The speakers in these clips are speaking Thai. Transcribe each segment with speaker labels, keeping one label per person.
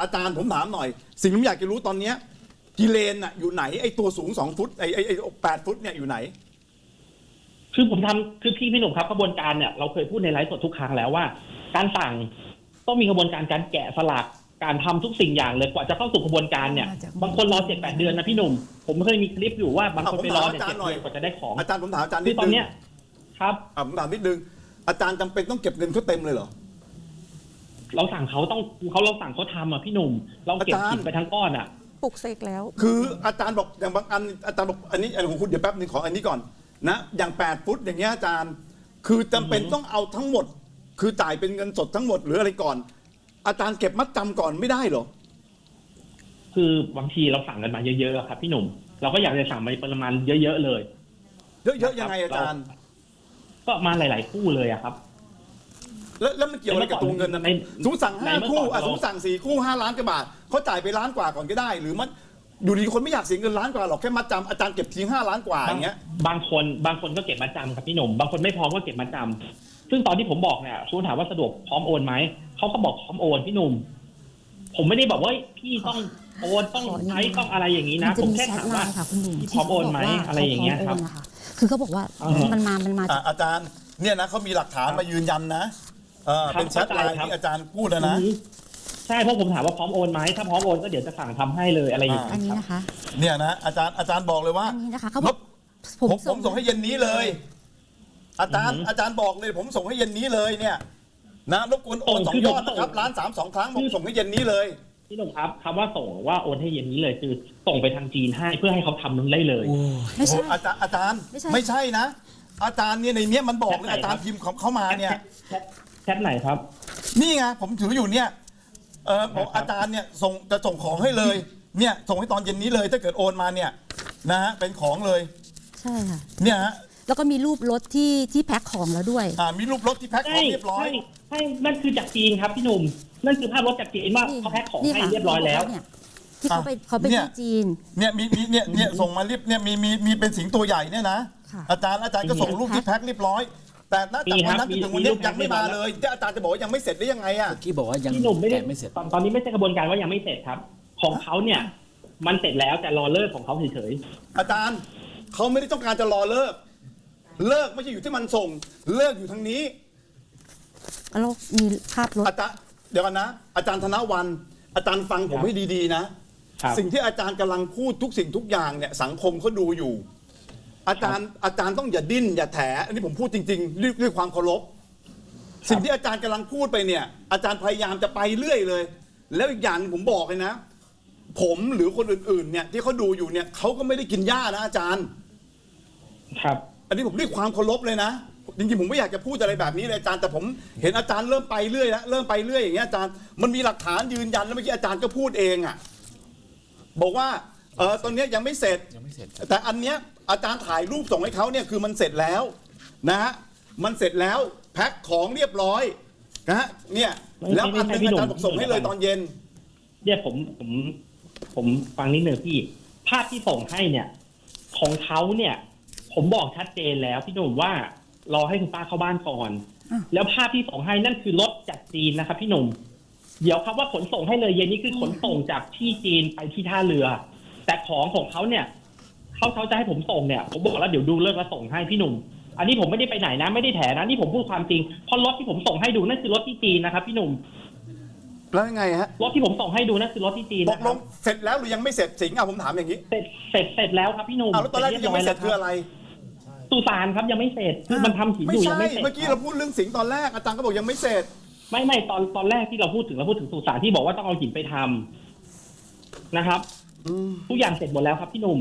Speaker 1: อาจารย์ผมถามหน่อย สิ่งที่ผมอยากจะรู้ตอนเนี้ยกิเลนอะอยู่ไหนไอ้ตัวสูง2 ฟุตไอ้8 ฟุตเนี่ยอยู่ไหน
Speaker 2: คือผมทำคือพี่หนุ่มครับกระบวนการเนี่ยเราเคยพูดในไลฟ์สดทุกครั้งแล้วว่า การสั่งต้องมีกระบวนการการแกะสลักการทำทุกสิ่งอย่างเลยกว่าจะเข้าสู่กระบวนการเนี่ยบางคนรอ7-8 เดือนนะพี่หนุ่มผมเคยมีคลิปอยู่ว่าบางคนไปรอ7 เดือนกว่าจะได้ของ
Speaker 1: อาจารย์ผมถามอาจารย์นิ
Speaker 2: คื
Speaker 1: ด
Speaker 2: อตอน
Speaker 1: นึง
Speaker 2: เนี้ยครับ
Speaker 1: ผมถามนิดนึงอาจารย์จำเป็นต้องเก็บเงินเขาเต็มเลยเหรอ
Speaker 2: เราสั่งเขาต้องเราสั่งเขาทำอ่ะพี่หนุ่มเราเก็บผิดไปทั้งก้อนอ่ะ
Speaker 3: ปลุกเสกแล้ว
Speaker 1: คืออาจารย์บอกอย่างบางอันอาจารย์บอกอันนี้ของคุณเดี๋ยวแป๊บนึงขออันนี้ก่อนนะอย่าง8 ฟุตอย่างเงี้ยอาจารย์คือจำเป็นต้องเอาทั้งหมดคือจ่ายเป็นเงินสดทั้งหมดหรืออะไรก่อนอาจารย์เก็บมัดจำก่อนไม่ได้เหรอ
Speaker 2: คือบางทีเราสั่งกันมาเยอะๆครับพี่หนุ่มเราก็อยากจะสั่งมาประมาณเยอะๆเลย
Speaker 1: เยอะๆยังไงอาจารย์
Speaker 2: ก็มาหลายๆคู่เลยอะครับ
Speaker 1: แล้วมันเกี่ยวอะไรกับตัวเงินนะสมมติสั่ง5 คู่สมมติสั่ง4 คู่5 ล้านกว่าบาทเขาจ่ายไป1 ล้านกว่าก่อนก็ได้หรือมันอยู่ดีคนไม่อยากเสียเงิน1 ล้านกว่าหรอกแค่มัดจำอาจารย์เก็บทิ้ง5 ล้านกว่าอย่างเงี้ย
Speaker 2: บางคนก็เก็บมัดจำครับพี่หนุ่มบางคนไม่พร้อมก็เก็บมัดจำซึ่งตอนที่ผมบอกเนี่ยคุณถามว่าสะดวกพร้อมโอนไหมเขาก็บอกพร้อมโอนพี่หนุ่มผมไม่ได้บอกว่าพี่ต้องโอนต้องใช้ต้องอะไรอย่างนี้นะผมแค่ถามว่าพี่พร้อมโอนไหมอะไรอย่างเงี้ยครับ
Speaker 3: คือเขาบอกว่ามันมา
Speaker 1: อาจารย์เนี่ยนะเขามีหลักฐานมายืนยันนะเป็นแชทไลน์ที่อาจารย์พูดแล้วนะ
Speaker 2: ใช่เพราะผมถามว่าพร้อมโอนไหมถ้าพร้อมโอนก็เดี๋ยวจะสั่งทำให้เลยอะไรอย่างนี้
Speaker 3: อันนี้นะคะ
Speaker 1: เนี่ยนะอาจารย์บอกเลยว่า
Speaker 3: อันนี้นะคะเขาบอก
Speaker 1: ผมส่งให้เย็นนี้เลยอาจารย์บอกเลยผมส่งให้เย็นนี้เลยเนี่ยนะรบกวนโอน2 ยอดนะครับ1 ล้าน 3 2 ครั้งผมส่งให้เย็นนี้เลย
Speaker 2: พี่หนุ่มครับคำว่าส่งว่าโอนให้เย็นนี้เลยคือส่งไปทางจีนให้เพื่อให้เขาทำนั้นได้เลย
Speaker 3: ไม่ใช่
Speaker 1: อาจารย์ไม่ใช่นะอาจารย์เนี่ยในนี้มันบอกเลยอาจารย์พิมพ์เขามาเนี่ย
Speaker 2: แชทไหนครับ
Speaker 1: นี่ไงผมถืออยู่เนี่ยบอกอาจารย์เนี่ยจะส่งของให้เลยเนี่ยส่งให้ตอนเย็นนี้เลยถ้าเกิดโอนมาเนี่ยนะฮะเป็นของเลย
Speaker 3: ใช่ค่ะ
Speaker 1: เนี่ยฮะ
Speaker 3: แล้วก็มีรูปรถที่แพ็คของแล้วด้วย
Speaker 1: มีรูปรถที่แพ็คของเรียบร้อย
Speaker 2: ใช่นั่นคือจากจีนครับพี่หนุ่มนั่นคือภาพรถจากจีนว่าเขาแพ็คของให้เรียบร้อยแล้ว
Speaker 3: ที่เขาไปที่จีน
Speaker 1: เนี่ยมีเนี่ยส่งมาเรียบเนี่ยมีเป็นสิงตัวใหญ่เนี่ยนะอาจารย์ก็ส่งรูปที่แพ็คเรียบร้อยแต่ณจากวันนั้นถึงวันนี้ยังไม่มาเลยที่อาจารย์จะบอกว่ายังไม่เสร็จได้ยังไงอ่ะ
Speaker 4: ที่บอกว่ายัง
Speaker 2: พี่หนุ่มไม่เสร็จตอนนี้ไม่ใช่กระบวนการว่ายังไม่เสร็จครับของเขาเนี่ยมันเสร็จแล้วแต่รอเลิกของเขาเฉย
Speaker 1: ๆอาจารย์เขาไม่ได้ต้องการจะรอเลิกไม่ใช่อยู่ที่มันส่งเลิกอยู่ทางนี้
Speaker 3: แล้วมีภาพรถ
Speaker 1: อาจารย์เดี๋ยวกันนะอาจารย์ธนวันอาจารย์ฟังผมให้ดีๆนะสิ่งที่อาจารย์กำลังพูดทุกสิ่งทุกอย่างเนี่ยสังคมเขาดูอยู่อาจารย์ต้องอย่าดิ้นอย่าแถอันนี้ผมพูดจริงๆด้วยความเคารพสิ่งที่อาจารย์กำลังพูดไปเนี่ยอาจารย์พยายามจะไปเรื่อยเลยแล้วอีกอย่างผมบอกเลยนะผมหรือคนอื่นๆเนี่ยที่เขาดูอยู่เนี่ยเขาก็ไม่ได้กินหญ้านะอาจารย์
Speaker 2: ครับ
Speaker 1: อันนี้ผมด้วยความเคารพเลยนะจริงๆผมไม่อยากจะพูดอะไรแบบนี้เลยอาจารย์แต่ผมเห็นอาจารย์เริ่มไปเรื่อยแล้วเริ่มไปเรื่อยอย่างเงี้ยอาจารย์มันมีหลักฐานยืนยันแล้วเมื่อกี้อาจารย์ก็พูดเองอ่ะบอกว่าตอนนี้ยังไม่เสร็จแต่อันเนี้ยอาจารย์ถ่ายรูปส่งให้เขาเนี่ยคือมันเสร็จแล้วนะฮะมันเสร็จแล้วแพ็คของเรียบร้อยนะฮะเนี่ยแล้วอันนึงอาจารย์บอกส่งให้เลยตอนเย็น
Speaker 2: เนี่ยผมฟังนิดหนึ่งพี่ภาพที่ส่งให้เนี่ยของเขาเนี่ยผมบอกชัดเจนแล้วพี่หนุ่มว่ารอให้คุณป้าเข้าบ้านก่อนแล้วภาพที่ส่งให้นั่นคือรถจากจีนนะครับพี่หนุ่มเดี๋ยวครับว่าขนส่งให้เลยเย็นนี้คือขนส่งจากที่จีนไปที่ท่าเรือแต่ของเขาเนี่ยเขาจะให้ผมส่งเนี่ยผมบอกแล้วเดี๋ยวดูเลิกแล้วส่งให้พี่หนุ่มอันนี้ผมไม่ได้ไปไหนนะไม่ได้แถนะนี่ผมพูดความจริงเพราะรถที่ผมส่งให้ดูนั่นคือรถที่จีนนะครับพี่หนุ่ม
Speaker 1: แล้วยังไงฮะ
Speaker 2: รถที่ผมส่งให้ดูนั่นคือรถที่จีน
Speaker 1: ตกลงเสร็จแล้วหรือยังไม่เสร็จสิงห์ผมถามอย่างนี้
Speaker 2: เสร็จแล้วครับพี่หนุ่ม
Speaker 1: แล้วตอนแรกยังไม่เสร็จคืออะไร
Speaker 2: สุสานครับยังไม่เสร็จคือมันทำหินอยู่ยังไม่เสร็จ
Speaker 1: เมื่อกี้เราพูดเรื่องสิงห์ตอนแรกอาจารย์ก็บอกยังไม่เสร็จ
Speaker 2: ไม่ตอนแรกที่เราพูดถึงสุสานที่บอกว่าต้องเอาหินไปทำนะครับทุกอย่างเสร็จหมดแล้วครับพี่หนุ่ม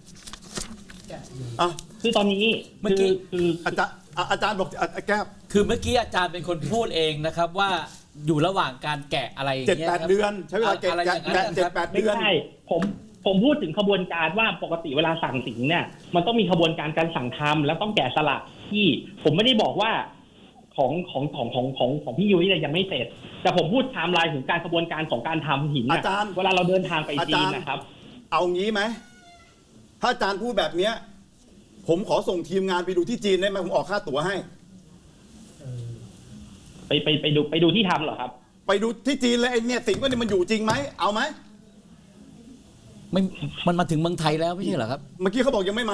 Speaker 2: คือตอนนี้
Speaker 4: เมื่อกี้
Speaker 1: คืออาจารย์บอกแก้ว
Speaker 4: คือเมื่อกี้อาจารย์เป็นคนพูดเองนะครับว่าอยู่ระหว่างการแกะอะไรอย่างเงี้ย
Speaker 1: 7-8 เดือนใช้เวลาแกะ7-8 เดือน
Speaker 2: ไม่ใช่ผมพูดถึงขบวนการว่าปกติเวลาสั่งสินเนี่ยมันต้องมีขบวนการการสั่งทำแล้วต้องแกะสลักที่ผมไม่ได้บอกว่าของพี่ยุ้ยเนี่ยยังไม่เสร็จแต่ผมพูดไทม์ไลน์ถึงการขบวนการของการทำหิน
Speaker 1: อาจารย์
Speaker 2: เวลาเราเดินทางไปจีนนะครับ
Speaker 1: เอางี้ไหมถ้าอาจารย์พูดแบบเนี้ยผมขอส่งทีมงานไปดูที่จีนได้ไหมผมออกค่าตั๋วให้
Speaker 2: ไปดูที่ทำเหรอครับ
Speaker 1: ไปดูที่จีนเลยไอ้เนี่ยสิงว่าเนี่ยมันอยู่จริงไหมเอาไหม
Speaker 4: ไม่มันมาถึงเมืองไทยแล้วไม่ใช่เหรอครับ
Speaker 1: เมื่อกี้เขาบอกยังไม่มา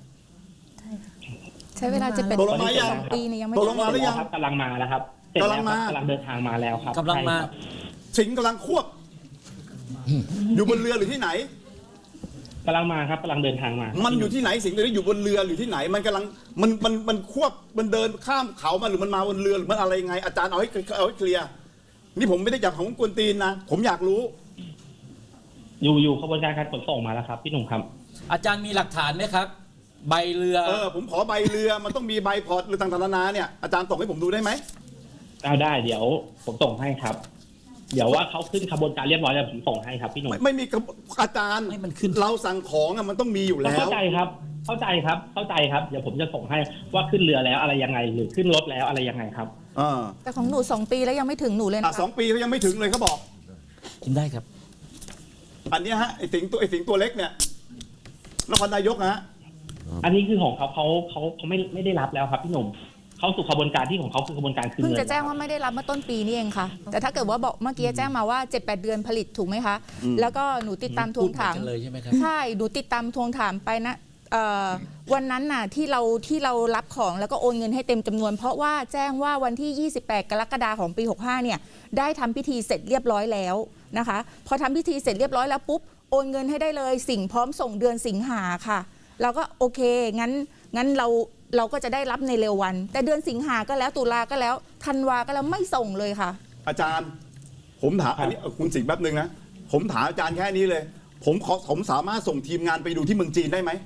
Speaker 5: ใช้เวลาจะเป็น
Speaker 1: ตกลงมายัง
Speaker 5: ปีเนี่ยยังไม่
Speaker 1: ตกลง
Speaker 5: ได้
Speaker 1: มาหรือยัง
Speaker 2: ครับกำลังมาแล้วครับเสร็จแล้ว
Speaker 1: กำลังมา
Speaker 2: ครับกำลังเดินทางมาแล้วครับ
Speaker 4: กำลังมา
Speaker 2: ใช่ครับ
Speaker 1: สิงกำลังควบอยู่บนเรือหรือที่ไหน
Speaker 2: กำลังมาครับกำลังเดินทางมา
Speaker 1: มันอยู่ที่ไหนสิงตัวนี้อยู่บนเรือหรือที่ไหน มันกำลังมันควบมันเดินข้ามเขามาหรือมันมาบนเรือหรือมันอะไรยังไงอาจารย์เอาให้เคลียร์นี่ผมไม่ได้จับของกวนตีนนะผมอยากรู้
Speaker 2: อยู่ขบวนการการขนส่งมาแล้วครับพี่หนุ่มครับ
Speaker 4: อาจารย์มีหลักฐานไหมครับ ใบเรือ
Speaker 1: ผมขอใบเรือมันต้องมีใบพอร์ตหรือต่างๆนานาเนี่ยอาจารย์ส่งให้ผมดูได้ไหม
Speaker 2: เอาได้เดี๋ยวผมส่งให้ครับ เดี๋ยวว่าเขาขึ้นขบวนการเรียบร้อยแล้วผมส่งให้ครับพี่หนุ่ม
Speaker 1: ไม่มีอาจารย์
Speaker 4: ให้มันขึ้น
Speaker 1: เราสั่งของอะมันต้องมีอยู่แล้ว
Speaker 2: เข้าใจครับ เข้าใจครับ เข้าใจครับ เดี๋ยวผมจะส่งให้ว่าขึ้นเรือแล้วอะไรยังไง หรือขึ้นรถแล้วอะไรยังไงครับ
Speaker 5: แต่ของหนู2 ปีแล้วยังไม่ถึงหนูเลย
Speaker 1: อ่ะ
Speaker 5: นะ
Speaker 1: 2 ปีเขายังไม่ถึงเลยเขาบอก
Speaker 4: กินได้ครับ
Speaker 1: อันเนี้ยฮะไอ้สิงตัวเล็กเนี่ยนครนายกนะฮะ
Speaker 2: อันนี้คือของเขาไม่ได้รับแล้วครับพี่หนุ่มเขาสู่ขบวนการที่ของเขาคือขบวนการคืน
Speaker 5: เพิ่ง
Speaker 2: เงิน
Speaker 5: จะแจ้งว่าไม่ได้รับเมื่อต้นปีนี่เองค่ะ แต่ถ้าเกิดว่าบอกเมื่อกี้แจ้งมาว่า 7-8 เดือนผลิตถูกไหมคะ แล้วก็หนูติดตามทวงถาม
Speaker 4: พูดเหมือนกันเลยใช่ไหมครับ
Speaker 5: ใช่ หนูติดตามทวงถามไปนะวันนั้นน่ะที่เรารับของแล้วก็โอนเงินให้เต็มจำนวน เพราะว่าแจ้งว่าวันที่ 28 กรกฎาคมของปี 65 เนี่ยได้ทำพิธีเสร็จเรียบร้อยแล้วนะคะ พอทำพิธีเสร็จเรียบร้อยแล้วปุ๊บโอนเงินให้ได้เลยสิ่งพร้อมส่งเดือนสิงหาค่ะเราก็โอเคงั้นเราก็จะได้รับในเร็ววัน แต่เดือนสิงหาก็แล้วตุลาก็แล้วธันวาก็แล้วไม่ส่งเลยค่ะ
Speaker 1: อาจารย์ ผมถามอันนี้คุณสิงห์แป๊บนึงนะผมถามอาจารย์แค่นี้เลย ผมสามารถส่งทีมงานไปดูที่เมืองจีนได้ไหม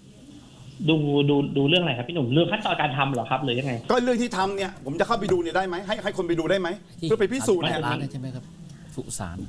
Speaker 2: ดูเรื่องอะไรครับพี่หนุ่มเรื่องขั้นตอนการทำเหรอครับหรือยังไง
Speaker 1: ก็เรื่องที่ทำเนี่ยผมจะเข้าไปดูเนี่ยได้ไหมให้คนไปดูได้ไหมเพื่อไปพิสูจน์เนี่ย
Speaker 4: ร้านใช่ไหมครับสุสาน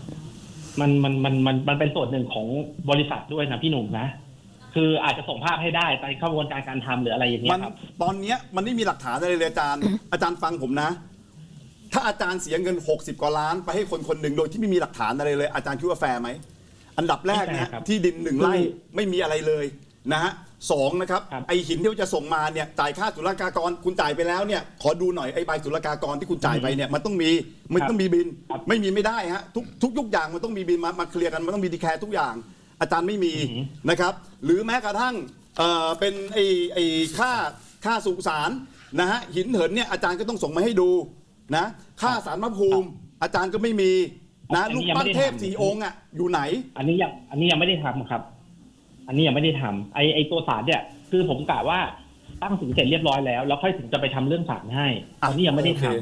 Speaker 2: มันเป็นส่วนหนึ่งของบริษัทด้วยนะพี่หนุ่มนะ คืออาจจะส่งภาพให้ได้ในขบวนการการทำหรืออะไรอย่างเงี้
Speaker 1: มัน
Speaker 2: ยครับ
Speaker 1: ตอนเนี้ยมันไม่มีหลักฐานอะไรเลยอาจารย์ อาจารย์ฟังผมนะ ถ้าอาจารย์เสียเงิน60 กว่าล้านไปให้คนหนึ่งโดยที่ไม่มีหลักฐานอะไรเลย อาจารย์คิดว่าแฟร์ไหมอันดับแรกนะฮะที่ดิน1 ไร่ไม่มีอะไรเลยนะฮะ2นะครับไอหินที่จะส่งมาเนี่ยจ่ายค่าศุลกากรคุณจ่ายไปแล้วเนี่ยขอดูหน่อยไอใบศุลกากรที่คุณจ่ายไปเนี่ยมันต้องมีบินไม่มีไม่ได้ฮะทุกอย่างมันต้องมีบินมาเคลียร์กันมันต้องมีดีแคร์ทุกอย่างอาจารย์ไม่มีนะครับหรือแม้กระทั่งเป็นไอค่าสุสานนะฮะหินเหินเนี่ยอาจารย์ก็ต้องส่งมาให้ดูนะค่าสารพระภูมิอาจารย์ก็ไม่มีนะลูกปั้นเทพ4 องค์อ่ะอยู่ไหน
Speaker 2: อันนี้ยังไม่ได้ทำครับ อันนี้ยังไม่ได้ทำไอตัวศาลเนี่ยคือผมกะว่าตั้งสินเสร็จเรียบร้อยแล้วค่อยถึงจะไปทำเรื่องศาลให้อันนี้ยังไม่ได้ทำ